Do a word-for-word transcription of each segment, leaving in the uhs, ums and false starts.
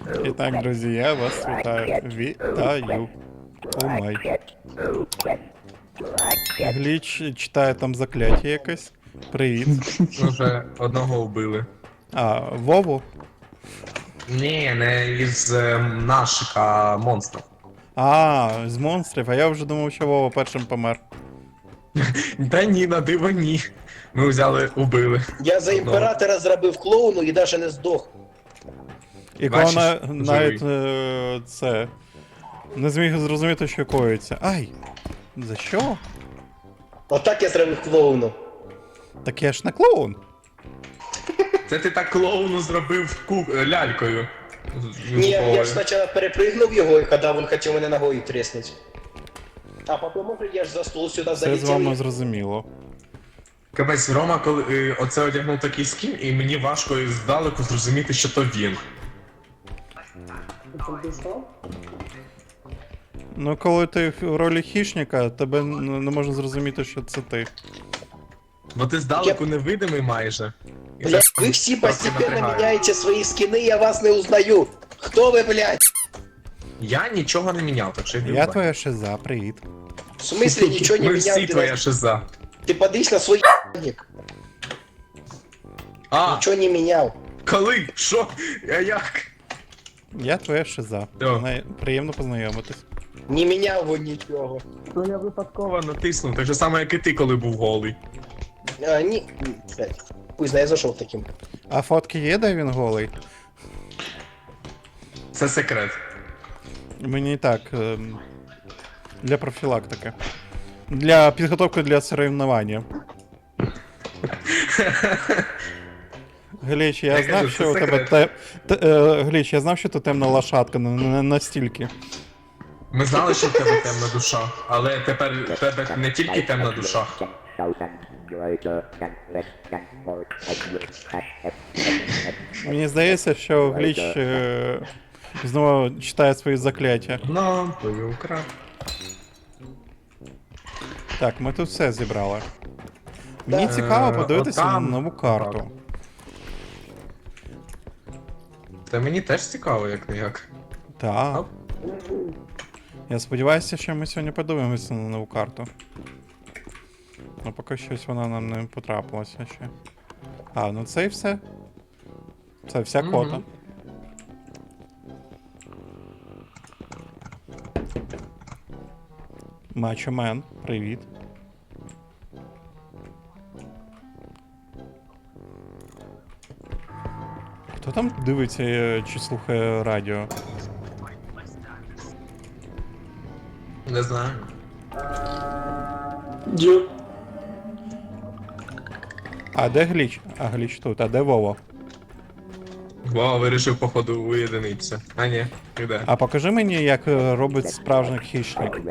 І так, друзі, я вас вітаю. Вітаю. О май. Гліч читає там закляття якесь. Привіт. Вже одного вбили. А, Вову? Ні, не із е, наших, а монстрів. А, з монстрів, а я вже думав, що Вова першим помер. Та ні, на диво ні. Ми взяли, убили. Я за Одного. імператора зробив клоуну і навіть не здох. І коли Бачиш, на, живий. навіть е, це. Не зміг зрозуміти, що коїться. Ай! За що? Отак я зробив клоуну. Так я ж не клоун. Це ти так клоуну зробив ку... е, лялькою. Ні, я ж спочатку перепригнув його, і коли він хотів мене ногою треснути. А потім може я ж за стол сюди Все з вами залетів. зрозуміло. Капець, Рома, коли е, оце одягнув такий скін, і мені важко здалеку зрозуміти, що то він. Ну, коли ти в ролі хищника, тебе н- не можна зрозуміти, що це ти. Бо ти здалеку невидимий майже. І Блядь, це ви всі трохи постепенно напрягає. міняєте свої скини, я вас не узнаю. Хто ви, блядь? Я нічого не міняв, так що йди Я в твоя шиза, привіт. В смысле нічого не Ми міняв? всі Ти, твоя на... шиза. ти подивись на свій ***ник. А, Нічого не міняв. коли? Що? А як? Я твоя шиза. О. Най- Приємно познайомитись. Не міняв ви нічого. Ну я випадково натиснув, так же саме, як і ти, коли був голий. А, ні, блядь. Пусть я зайшов таким. А фотки є, де він голий? Це секрет. Мені так. ем, Для профілактики. Для підготовки для соревнування. Гліч, я Я знав, кажу, що це у тебе секрет. те... те- е, Гліч, я знав, що ти темна лошадка, не, не настільки. Ми знали, що в тебе темна душа, але тепер в тебе не тільки темна душа. Мені здається, що Гліч е, знову читає свої закляття. Ну, твою крап. Так, ми тут все зібрали. Мені Да. цікаво Е, подивитися на отам. нову карту. Та мені теж цікаво, як не як. Так. Оп. Я сподіваюся, що ми сьогодні подивимося на нову карту. Ну, поки щось вона нам не потрапилася ще. А, ну це і все. Це вся Мгм. кота. Мачо Мен, привіт. Хто там дивиться е, чи слухає радіо? Не знаю. А де Гліч? А Гліч тут, а де Вова? Вау, вирішив, походу, уєдинитися. А ні, іде. А покажи мені, як е, робить справжній хищник.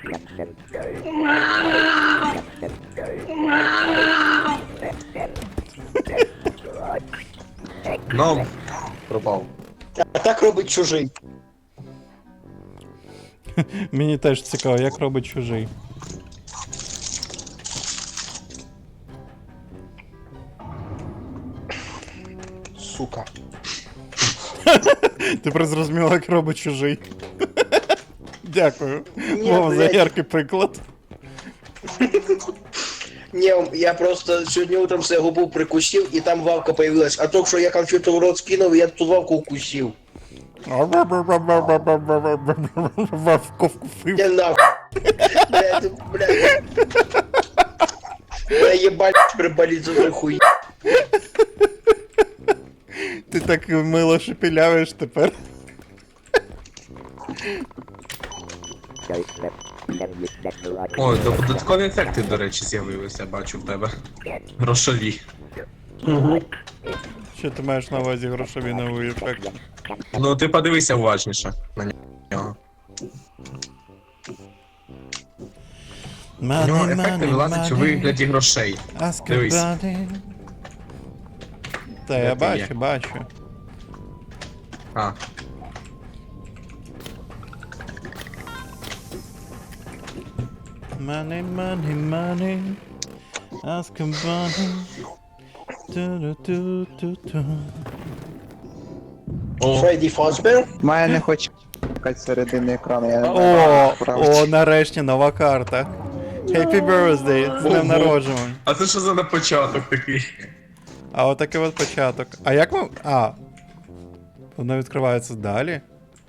Ну, пропав. А так робить чужий. Мені теж цікаво, як робить чужий. Сука. Тепер зрозуміло, як робить чужий. Дякую. Ні, Вова, за блядь. яркий приклад. Не, я просто сьогодні утром себе губу прикусив, і там вавка появилась. А только що я конфету в рот скинув, і я ту вавку укусив. Вовко вкусив. Я нахуй. Блядь, блядь. Я ебать приболит за той хуй. Ти так мило шепелявиш тепер. Ой, додаткові ефекти, до речі, з'явилися, бачу в тебе. Грошові. Що ти маєш на увазі грошові новий ефект? Ну, ти подивися уважніше на нього. У нього ефекти вилазять у вигляді грошей. Дивись. Та Де я ти бачу, є? бачу. А, Money, money, money. Ask him money. Ту-ду-ту-ту-ту. О, Фредді Фазбер. Має не хоче чекати середини екрану, я не О, знаю. правда. о, нарешті нова карта. Happy birthday, з днем Ого. народження. а це що за на початок такий? А отакий от початок. А як ми. А. Воно відкривається далі?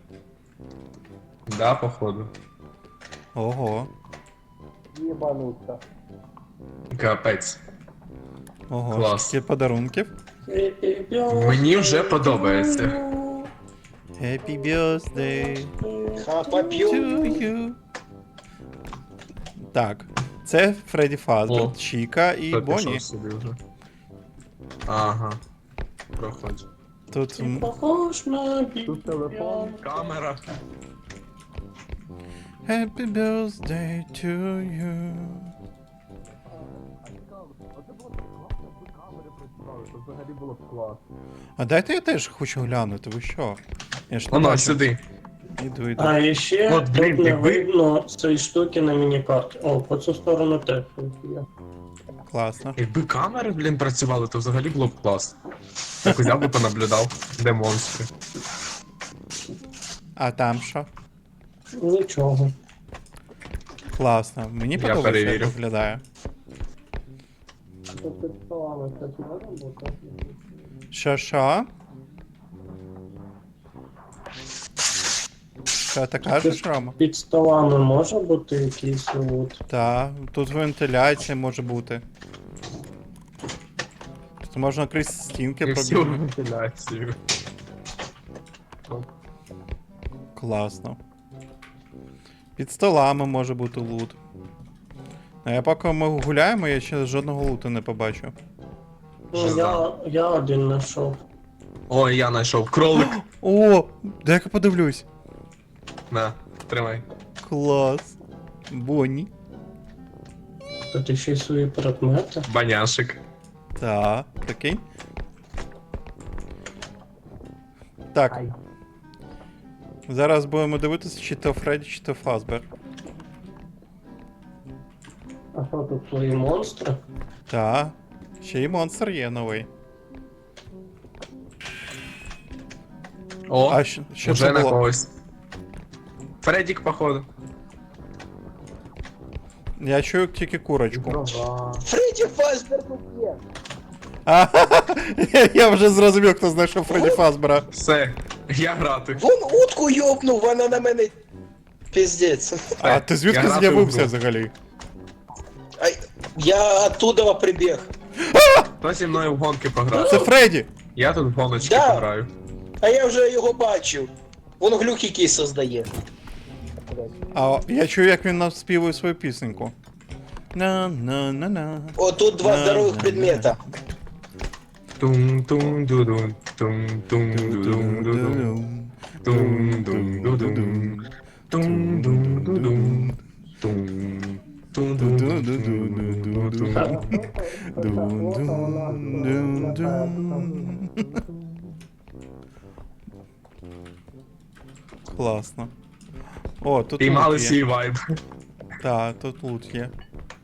Да, походу. Ого. Єбануться. Капець. Ого, Клас. скільки подарунків. Мені вже подобається. Happy birthday Хапап'ю. to you. Так. Це Фредді Фазбер, О. Чіка і Хто Бонні. пішов собі вже? Ага. Проходь. Тут м, Похож на Тут телефон, камера. Happy birthday to you. Взагалі було б клас. А дайте я теж хочу глянути, ви що? Я ж не Воно, бачу. сюди. Іду, іду. А ще От, блін, тут не якби- видно цієї штуки на міні-карті. О, по цю сторону теж є. Класно. Якби камери, блін, працювали, то взагалі було б клас. Так взяв би понаблюдав, де монстри. А там що? Нічого. Класно. Мені Я подобається, як перевірю. виглядає. Тут під столами щось може бути? Що, що? Що ти кажеш, Рома? Під столами може бути якийсь лут? Так, тут вентиляція може бути. Тут можна крізь стінки І всю пробігти. вентиляцію. Класно. Під столами може бути лут. А я поки ми гуляємо, я ще жодного луту не побачу. Ну, я, я один знайшов. Ой, я знайшов кролик. О, дай-ка подивлюсь. На, тримай. Клас. Бонні. Тут ще й свої предмети. Баняшик. Так, прикинь. Так. Зараз будемо дивитися, чи то Фредді, чи то Фазбер. А що тут свої монстри? Так. Ще й монстр є новий. О, А що, що вже це на було? когось. Фредік, походу. Я чую тільки курочку. Фредді Фазбер тут є. А, я вже зрозумів, хто знайшов Фредді Фазбера. Все, я грати. Вон утку йобнув, вона на мене. Піздець. А ти звідки Я грати з'явився в гру. взагалі? Ай, я оттуда прибіг. Хто зі мною в гонки пограв? Це Фредді! Я тут в гоночки Да. пограю. А я вже його бачив. Вон глюк якийсь создає. А я чую, як він нам співає свою пісеньку. На-на-на-на. О, тут два На, здорових на, предмета. Тум-тум-ду-дун, тум-тум-ду-дун-ду-дун. Тум-дум-ду-дун. Тум-дум-ду-дун. Тум. Тум-дум-ду-дун. Дун-дун-дун-дун. Класно. О, тут Піймали лут є. свій вайб. Так, тут лут є.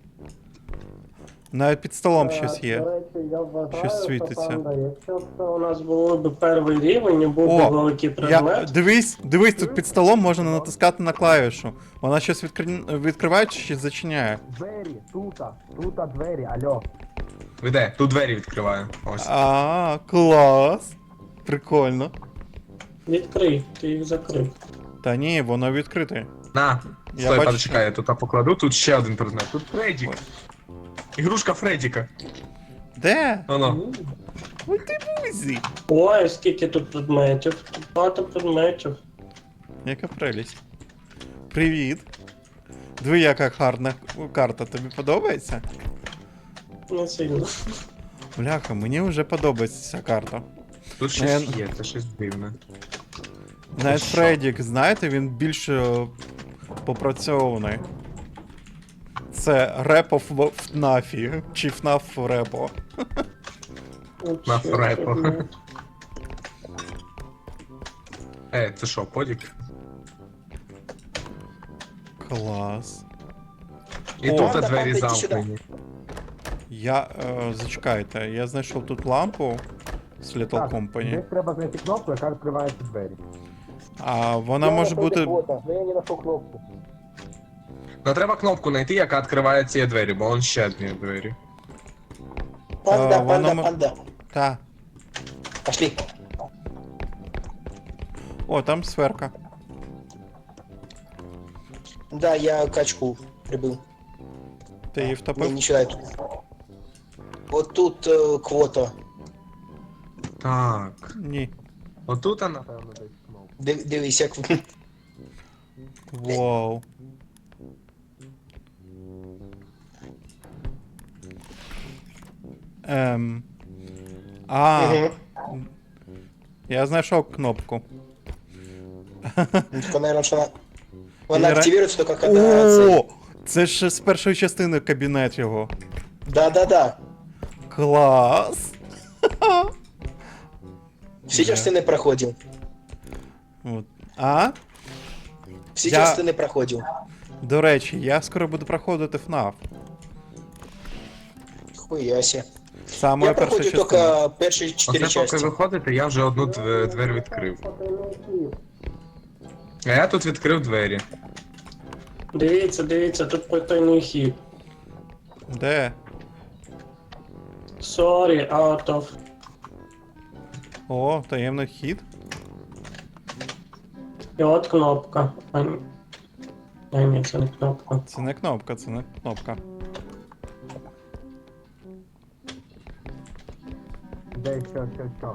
Навіть під столом щось До є. речі, я вважаю, Щось світиться. що, Панда, якщо б це у нас було б перший рівень, і був О, би великий Я, предмет, дивись, дивись, тут під столом можна натискати на клавішу. Вона щось відкри... відкриває чи щось зачиняє. Двері, тута, тута двері, алло. Ви де? Тут двері відкриваю. Ось. А, клас. Прикольно. відкрий, ти їх закрив. Та ні, воно відкрите. На, Я стой, бачу, почекай, я тут покладу, тут ще один предмет. Тут Фредік. Ігрушка Фредіка. Де? Воно. Ой ти бузі. Ой, скільки тут предметів. Тут багато предметів. Яка прелість. Привіт. Диви, яка гарна карта. Тобі подобається? Не сильно. Бляха, мені вже подобається ця карта. Тут щось Е, є, це щось дивне. Навіть що? Фреддік, знаєте, він більш е, попрацьований. Це репо в ФНАФі. Чи ФНАФ репо. От На ще фрепо. предмет. Е, це що, подік? Клас. І О. тут Панда, двері панда, йди замкнені. Я. Е, зачекайте, я знайшов тут лампу. з Little Так, Company. десь треба знайти кнопку, яка відкриває ці двері. А вона може бути. Но я не нашел кнопку. Ну треба кнопку знайти, яка відкриває ці двері, бо он ще одні двері. Панда, А, панда, воно м- панда. Та. Пошли. О, там сферка. Да, я качку прибыл. Ти її Не, втопив? не читаю тут. Вот тут э, квота. Так. Ні. Отут вона. Напевно, десь кнопка. Див- Дивись, як... Вау. Ем. А, Мгм. я знайшов кнопку. Ну, только, наверное, что она... Она Или ра- активируется только когда... цель. О! Це ж з першої частини кабінет його. Да-да-да. Клас! Всі Да. частини проходив. От. А? Всі Я- частини проходив. До речі, я скоро буду проходити еф ен ей ф. Хуяся. Саме Я перша проходив частина. тільки перші чотири Оце поки частини. виходите, я вже одну дв- двері відкрив. А я тут відкрив двері. Дивіться, дивіться, тут потайний хід. Де? Sorry, out of. О, таємний хід. І от кнопка. А, ні. А, ні, це не кнопка. Це не кнопка, це не кнопка. Де що, що, що.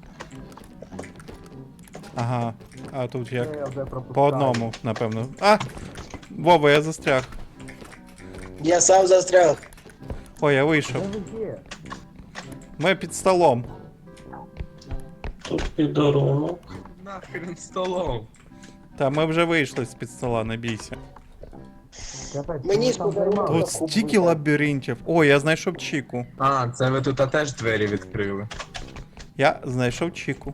Ага. А тут Це як? я вже пропускаю. По одному, напевно. А! Вова, я застряг. Я сам застряг. Ой, я Де вийшов. ви є? Ми під столом. Тут підорунок. Нахрен столом. Та ми вже вийшли з під стола, не бійся. Капець, Мені ми там сподобалося. займали. Тут стільки лабіринтів. О, я знайшов Чіку. А, це ви тут теж двері відкрили. Я знайшов Чіку.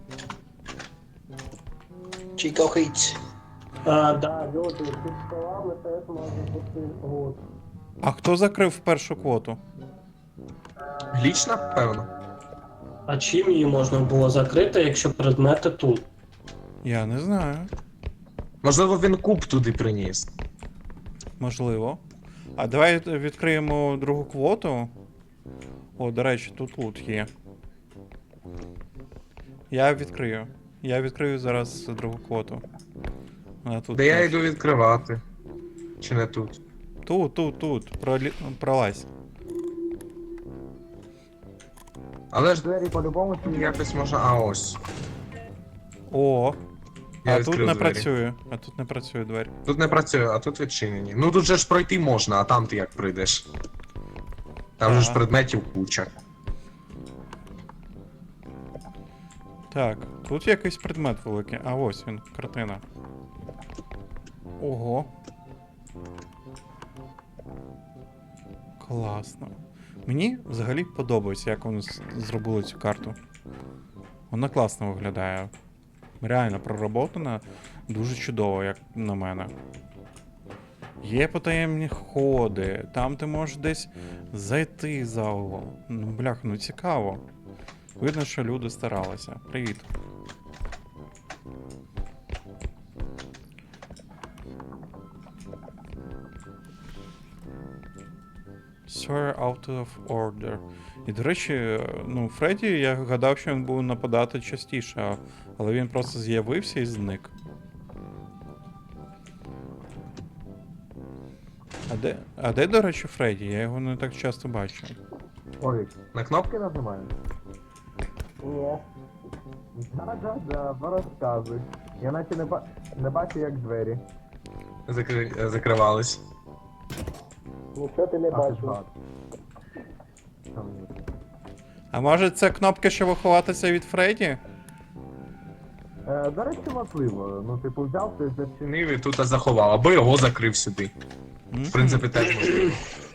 Чикохиць. А, да, люди, під столами теж може бути гуд. А хто закрив першу квоту? Гліч, напевно. А чим її можна було закрити, якщо предмети тут? Я не знаю. Можливо, він куб туди приніс. Можливо. А давай відкриємо другу квоту. О, до речі, тут лут є. Я відкрию. Я відкрию зараз другу квоту. Вона тут. Де я теж. йду відкривати. Чи не тут? Тут, тут, тут. Пролі... Пролазь. Але ж Двері по-любому ці якось можна. А ось. О. Я а тут відкрив не двері. працює. А тут не працює двері. Тут не працює, а тут відчинені. Ну тут же ж пройти можна, а там ти як прийдеш. Там же ж Ага. предметів куча. Так, тут якийсь предмет великий. А ось він, картина. Ого. Класно. Мені взагалі подобається, як вони з- зробили цю карту. Вона класно виглядає. Реально пророботана, дуже чудово, як на мене. Є потаємні ходи, там ти можеш десь зайти за угол. Ну, блях, ну цікаво. Видно, що люди старалися. Привіт. Sir out of order. І, до речі, ну, Фредді, я гадав, що він буде нападати частіше, але він просто з'явився і зник. А де, а де, до речі, Фредді? Я його не так часто бачу. Ой, На кнопку? кнопки нажимаю. Ні. Да-да-да, порозказуй. Я наче не, ба... не бачу, як двері. Закри... закривались. Нічого ти не А, бачив. так. Що мені? А може це кнопка, щоб ховатися від Фредді? Е, до речі, можливо. Ну, типу, взяв ти зачинив. Чинив і тут заховав, або його закрив сюди. В принципі, теж можливо.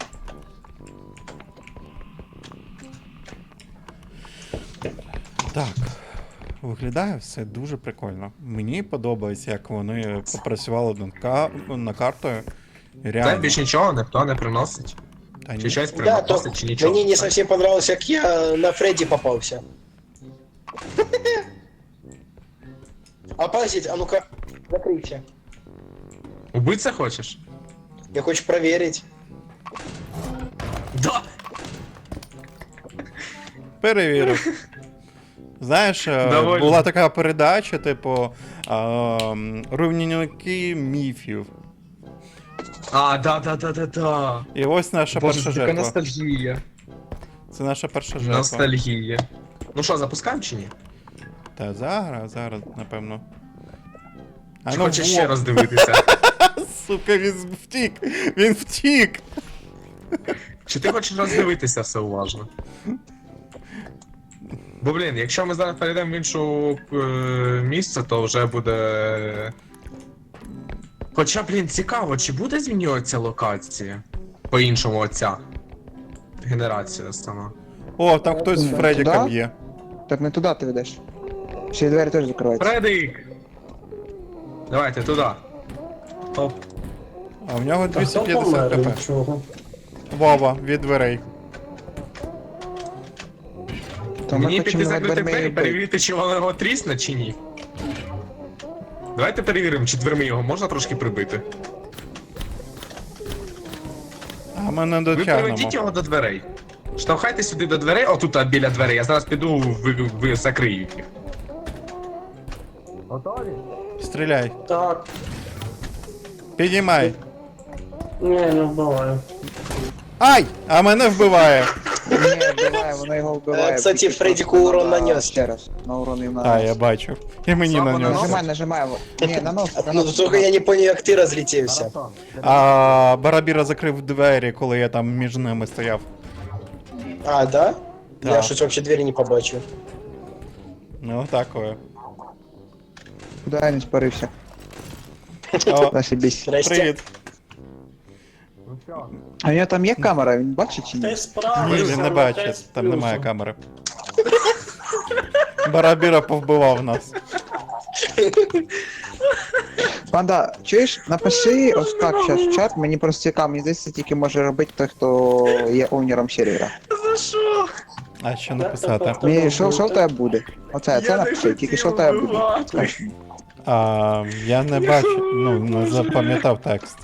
Так. Виглядає все дуже прикольно. Мені подобається, як вони попрацювали над, ка... над картою. Це Реально. більш нічого ніхто не приносить. Та ні. Чи щось Да, то приносить, чи нічого. мені не совсем понравилось, як я на Фредді попався. А подождите, а ну-ка, закройте. Убиться хочеш? Я хочу проверить. Да! Перевірив. Знаєш, е, Доволі. була така передача, типу, ем, руйнівники міфів. А, да, да, да, да, да. І ось наша Боже, перша це така жертва. ностальгія. Це наша перша жертва. Ностальгія. Ну що, запускаємо чи ні? Та зараз, зараз, напевно. А Чи ну, хочеш во. ще раз дивитися? Сука, він втік! Він втік! Чи ти хочеш роздивитися все уважно? Бо, блін, якщо ми зараз перейдемо в іншу е, місце, то вже буде. Хоча, блін, цікаво, чи буде змінюватися локація? По-іншому оця генерація сама. О, там хтось Ну, Фредіка туди? б'є. Так не туди ти ведеш. Ще й двері теж закриваються. Фредик! Давайте туди. Оп. А в нього А хто двісті п'ятдесят помер хп. від чого? Вова, від дверей. То ми Мені хочемо піти над закрити дверми двері, і бити. перевірити, чи воно його трісне, чи ні. Давайте перевіримо, чи дверми його можна трошки прибити. А ми не Ви дотягнемо. приведіть його до дверей. Штовхайте сюди до дверей, отут а, біля дверей, я зараз піду, ви, ви закрию їх. Готові? Стріляй. Так. Підіймай. Ні, не вбиваю. Ай! А мене вбиває. Ні, вбиває, воно його вбиває. Е, кстати, Тільки Фредіку просто урон надо нанес. Ще раз, на урон їм А, я нанес. бачу. І мені Слабо на нього. наносить. Нажимай, нажимай. Ні, нанос, Ну, нанос. только я не понял, як ти розлетівся. Маратон. А Барабіра закрив двері, коли я там між ними стояв. А, да? Я Так. щось вообще двері не побачив. Ну, такое. Куди я не спарився? О, Зашибісь. Здрасте. привіт. Ну що, А у нього там є камера, він бачить чи ні? Ти Ні, справився, він не але ти бачить, з там немає плюсом. камери. Барабіра повбивав нас. Панда, чуєш, напиши ось так зараз в чат, мені просто цікаво, мені здається, це тільки може робити той, хто є овнером сервера. За що? А що написати? Мені що, що в тебе буде? Оце, це Я не напиши, тільки що в хотів тебе буде. вбивати. Скажи. А, я не бачу, ну, не запам'ятав текст.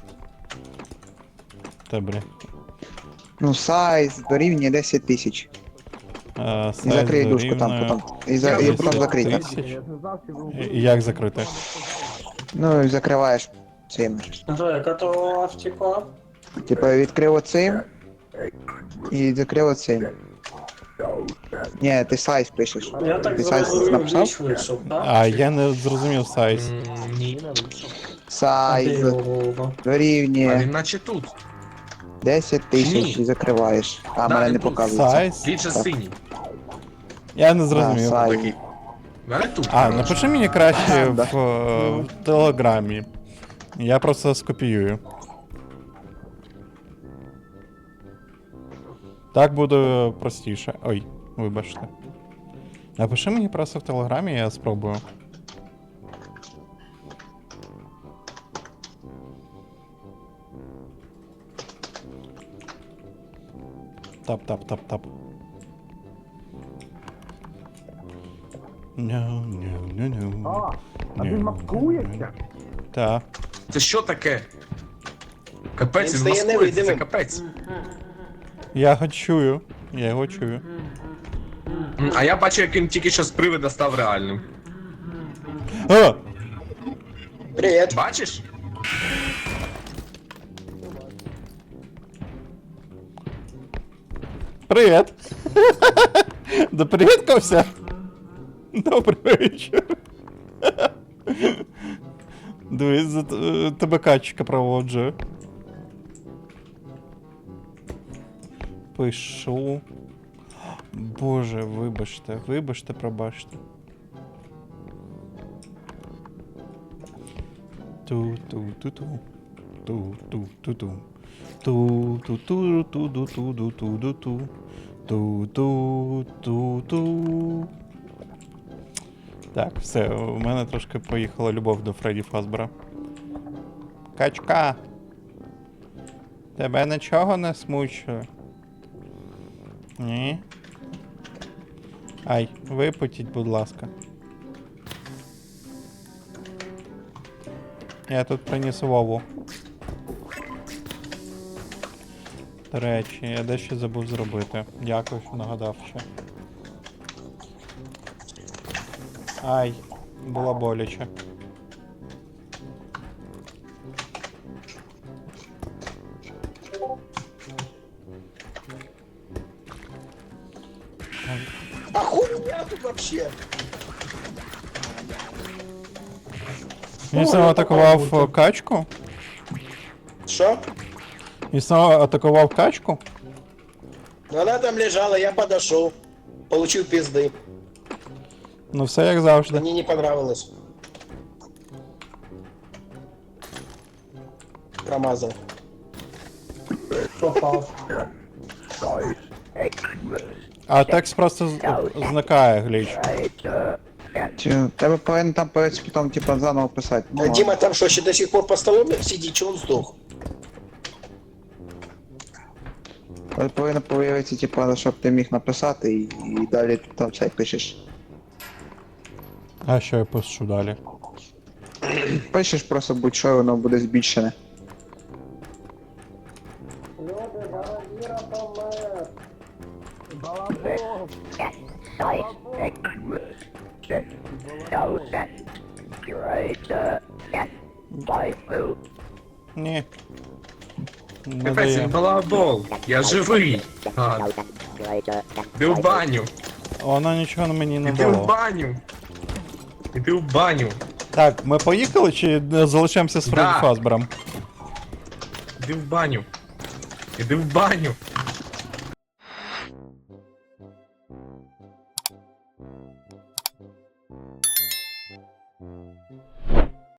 Добре. Ну, сайз дорівнює десять тисяч. А, І закрий сайз дужку там дорівнює потім. І, за, і потім закрий так. тисяч. я ж не знав, що ви І- і Як закрити? Ну, і закриваєш цим. Жека, то втекла. Типа відкрив оцим і закрив оцим. Ні, ти сайз пишеш. Я так Ти сайз зрозумів, написав? ніч вийшов, так? А, я не зрозумів сайз. М, Ні. А де Сайз його голова? А дорівнює він наче тут. десять тисяч Ні. і закриваєш. А Да, мене він не тут. показується. Сайз? Він же Так. синій. Я не А, зрозумів. сайз. Такий. В Мене тут. А, коротше. напиши мені краще Да. в, е, в телеграмі. Я просто скопіюю. Так буде простіше. Ой, вибачте. Напиши мені просто в телеграмі, я спробую. Тап, тап, тап, тап. No, no, no, no. А, а Ні. він маскується? Та. Це що таке? Капець, Він він стає маскується, це невидимим. капець. Я його чую. Я його чую. М, А я бачу, як він тільки що з привида став реальним. А! Привіт. Бачиш? Привіт! Допривідкався? Добрий вечір. Дивись, за т- тебе качка проводжу. Пишу. Боже, вибачте, вибачте, пробачте. Ту-ту-ту-ту. Ту-ту-ту-ту. Ту-ту-ту-ту-ту-ту-ту-ту. Ту-ту-ту-ту. Так, все, у мене трошки поїхала любов до Фредді Фазбера. Качка! Тебе нічого не смучує? Ні? Ай, випутіть, будь ласка. Я тут приніс Вову. До речі, я дещо забув зробити. Дякую, що нагадав ще. Ай, було боляче. А хуйня тут вообще? Він знову атакував е, качку? Що? Він знову атакував качку? Она там лежала, я подошел. Получил пизды. Ну все як завжди. Мне не понравилось. Промазал. Попав. А текст просто з- зникає гліч. Чи тебе повинен там появитися потім, типа, заново писати. Ну, А Дима там что, еще до сих пор по столу сидит, че он сдох? ладно. Повинно появитися, типа, щоб ти міг написати і, і далі ти там все пишеш. А що я пишу далі? Пишеш просто будь-що, і воно буде збільшене. Люди, зараз Іра помер. Балабол! Ні. Не Капець, дає. він балабол. Я живий. А, іди в баню. Воно нічого на мені не Іди в дало. баню. Іди в баню. Так, ми поїхали чи е, залишаємося з Фредді Да. Фазбером? Іди в баню. Іди в баню.